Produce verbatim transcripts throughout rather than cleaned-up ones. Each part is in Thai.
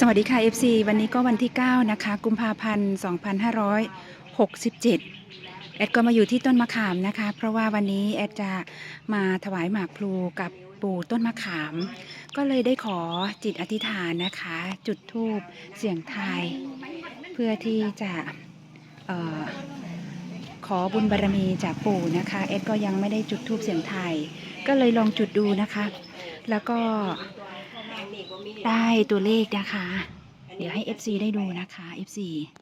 สวัสดีค่ะ เอฟ ซี วันนี้ก็วันที่เก้านะคะกุมภาพันธ์สองพันห้าร้อยหกสิบเจ็ดแอดก็มาอยู่ที่ต้นมะขามนะคะเพราะว่าวันนี้แอดจะมาถวายหมากพลูกับปู่ต้นมะขามก็เลยได้ขอจิตอธิษฐานนะคะจุดธูปเสียงทายเพื่อที่จะเอ่อขอบุญบารมีจากปู่นะคะแอดก็ยังไม่ได้จุดธูปเสียงทายก็เลยลองจุดดูนะคะแล้วก็ได้ตัวเลขนะคะเดี๋ยวให้ เอฟ ซี ได้ดูนะคะ เอฟ ซี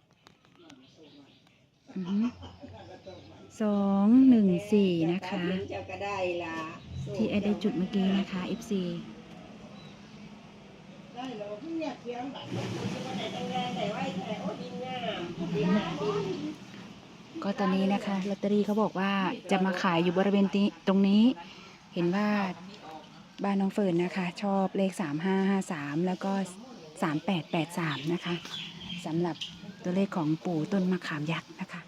สองหนึ่งสี่นะคะที่แอดได้จุดเมื่อกี้นะคะ เอฟ ซี ก็ตอนนี้นะคะลอตเตอรี่เขาบอกว่าจะมาขายอยู่บริเวณตรงนี้เห็นว่าบ้านน้องเฟิร์นนะคะชอบเลขสามห้าห้าสามแล้วก็สามแปดแปดสามนะคะสำหรับตัวเลขของปู่ต้นมะขามยักษ์นะคะ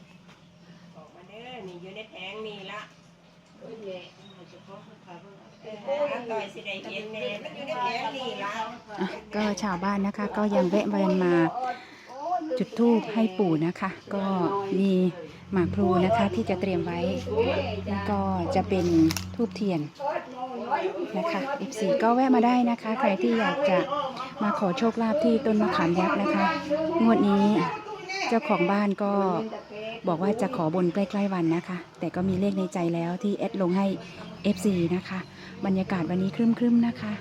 ก็ชาวบ้านนะคะก็ยังแวะเวียนมาจุดธูปให้ปู่นะคะก็มีหมากพลูนะคะที่จะเตรียมไว้ก็จะเป็นธูปเทียนนะคะ เอฟ ซี ก็แวะมาได้นะคะใครที่อยากจะมาขอโชคลาภที่ต้นมะขามยักษ์นะคะงวดนี้เจ้าของบ้านก็บอกว่าจะขอบนใกล้ๆวันนะคะแต่ก็มีเลขในใจแล้วที่แอดลงให้ เอฟ ซี นะคะบรรยากาศวันนี้ครึ้มๆนะคะ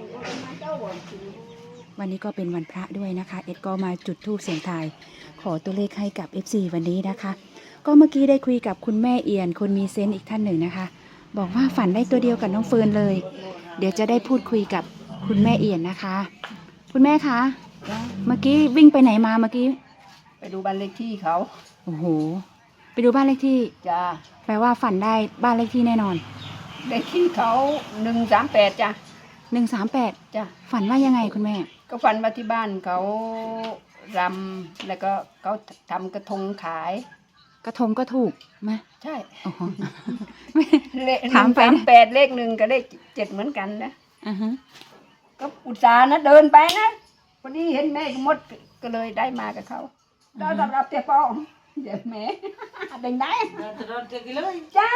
วันนี้ก็เป็นวันพระด้วยนะคะเอ็ดก็มาจุดธูปเสียงทายขอตัวเลขให้กับ เอฟ ซี วันนี้นะคะก็เมื่อกี้ได้คุยกับคุณแม่เอียนคนมีเซนต์อีกท่านหนึ่งนะคะบอกว่าฝันได้ตัวเดียวกับน้องเฟิร์นเลยเดี๋ยวจะได้พูดคุยกับคุณแม่เอียนนะคะคุณแม่คะเมื่อกี้วิ่งไปไหนมาเมื่อกี้ไปดูบ้านเลขที่เขาโอ้โหไปดูบ้านเลขที่จ้าแปลว่าฝันได้บ้านเลขที่แน่นอนเลขที่เขาหนึ่งสามแปดจ้ะหนึ่งสามแปดจ้ะฝันว่ายังไงคุณแม่ก็ฝันว่าที่บ้านเขารำแล้วก็เขาทำกระทงขายกระทงก็ถูกไหมใช่โอ้โหเลขถามไปแปดเลขหนึ่งกับเลขเจ็ดเหมือนกันนะอือฮะก็อุตส่าห์นะเดินไปนะพอดีเห็นแม่มดก็เลยได้มากับเขาเราสำหรับเจ้าป้องเดี๋ยวแม่เด้งได้จ้า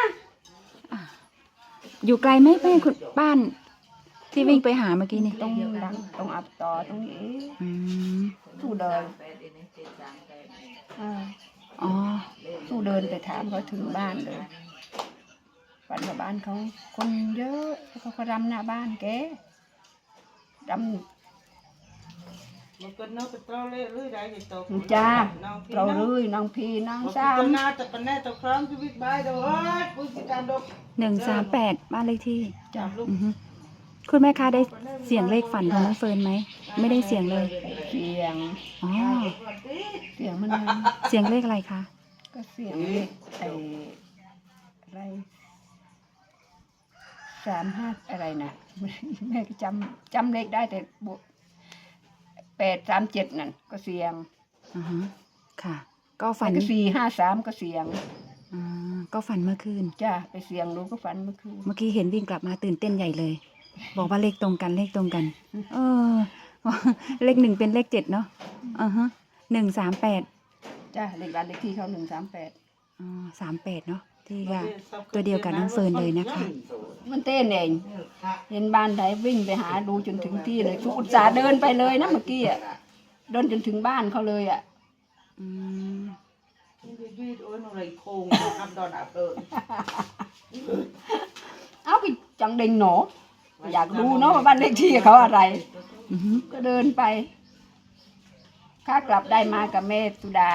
อยู่ไกลไหมแม่คุณบ้านที่วิ่งไปหาเมื่อกี้นี่ตรงดังตรงอับต่อตรงนี้สู้เดินอ๋อสู้เดินไปถามเขาถึงบ้านเลยฝันว่าบ้านเขาคนเยอะเขาก็รำหน้าบ้านแกรำจ้าเราเลยน้องพีน้องสามหนึ่งสามแปดบ้านเลขที่จ้าคุณแม่คะได้เสียงเลขฝันของน้องเฟิร์นไหมไม่ได้เสียงเลยเสียงอ๋อเสียงมันเสียงเลขอะไรคะก็เสียงเลขไอ้อะไรสามห้าอะไรนะแม่จำจำเลขได้แต่บวกแปดสามเจ็ดนั่นก็เสียงอือฮะค่ะก็ฝันสี่ห้าสามก็เสียงอ่าก็ฝันเมื่อคืนจ้าไปเสียงรู้ก็ฝันเมื่อคืนเมื่อกี้เห็นวิ่งกลับมาตื่นเต้นใหญ่เลยบอกว่าเลขตรงกันเลขตรงกันเออเลขหนึ่งเป็นเลขเจ็ดเนาะอือฮะหนึ่งสามแปดจ้าเลขบ้านเลขที่เขาหนึ่งสามแปดอ๋อสามแปดเนาะที่ว่าตัวเดียวกับน้องเฟิร์นเลยนะคะมันเต้นเองเห็นบ้านไหนวิ่งไปหาดูจนถึงที่เลยอุตส่าห์เดินไปเลยนะเมื่อกี้อ่ะเดินจนถึงบ้านเขาเลยอ่ะอืมเอาไปจังเด้งหนออยากดูเนาะว่าบ้านเลขที่เขาอะไรก็เดินไปข้ากลับได้มากับแม่สุดา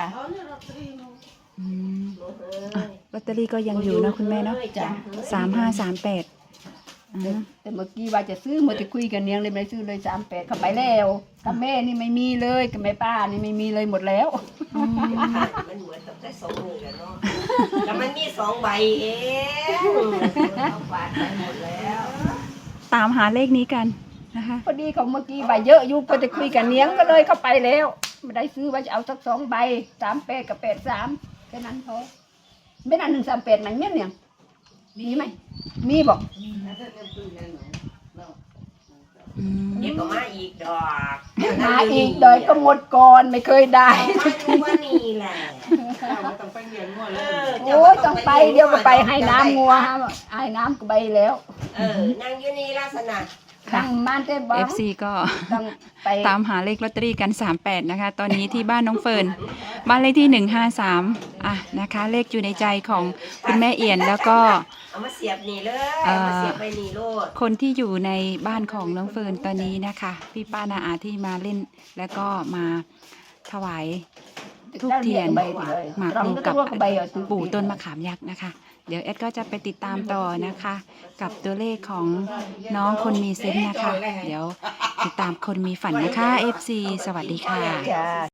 ลอตเตอรี่ก็ยังอยู่นะคุณแม่เนาะจ้ะสามห้าสามแปดแต่เมื่อกี้ว่าจะซื้อมาจะคุยกันเนียงเลยไม่ซื้อเลยสามแปดเข้าไปแล้วกับแม่นี่ไม่มีเลยกับแม่ป้านี่ไม่มีเลยหมดแล้วมันเหมือนกับได้สองมือแล้วเนาะแต่มันมีสองใบเองเอาฝาดไปหมดแล้วตามหาเลขนี้กันนะคะพอดีเขาเมื่อกี้ใบเยอะอยู่ก็จะคุยกันเนียงก็เลยเข้าไปแล้วไม่ได้ซื้อว่าจะเอาสักสองใบสามแปดกับแปดสามแค่นั้นพอไม่นานหนึ่งสามแปดมันเนี้ยเนี่ยมีไหมมีบอกอืมเดี๋ยวก็มาอีกดอกมาอีกโดยก็หมดก่อนไม่เคยได้มาอยู่ว่านี่แหละต้องไปเรียนงัวเลเอย อโอ้ยต้องไปเดี๋ยวก็ไปให้น้ำงัวฮะให้น้ำก็ไปแล้วเออนั่งอยู่นี่ลักษณะค่ะตั้งบ้านเต้บ้าเอฟ ซี ก็ต้องไปตามหาเลขลอตเตอรี่กัน สามแปด นะคะ ตอนนี้ที่บ้านน้องเฟิร์น บ้านเลขที่ หนึ่งห้าสาม อ่ะ นะคะ เลขอยู่ในใจของคุณแม่เอียน แล้วก็เอามาเสียบนี่เลยเอามาเสียบไปนี่โลดคนที่อยู่ในบ้านของน้องเฟิร์นตอนนี้นะคะ พี่ป้านาอาที่มาเล่น แล้วก็มาถวายทูบเทียนหมากพลูกับปู่ต้นมะขามยักษ์นะคะ เดี๋ยวแอดก็จะไปติดตามต่อนะคะ กับตัวเลขของน้องคนมีเซนส์นะคะ เดี๋ยวติดตามคนมีฝันนะคะ เอฟ ซี สวัสดีค่ะจ้า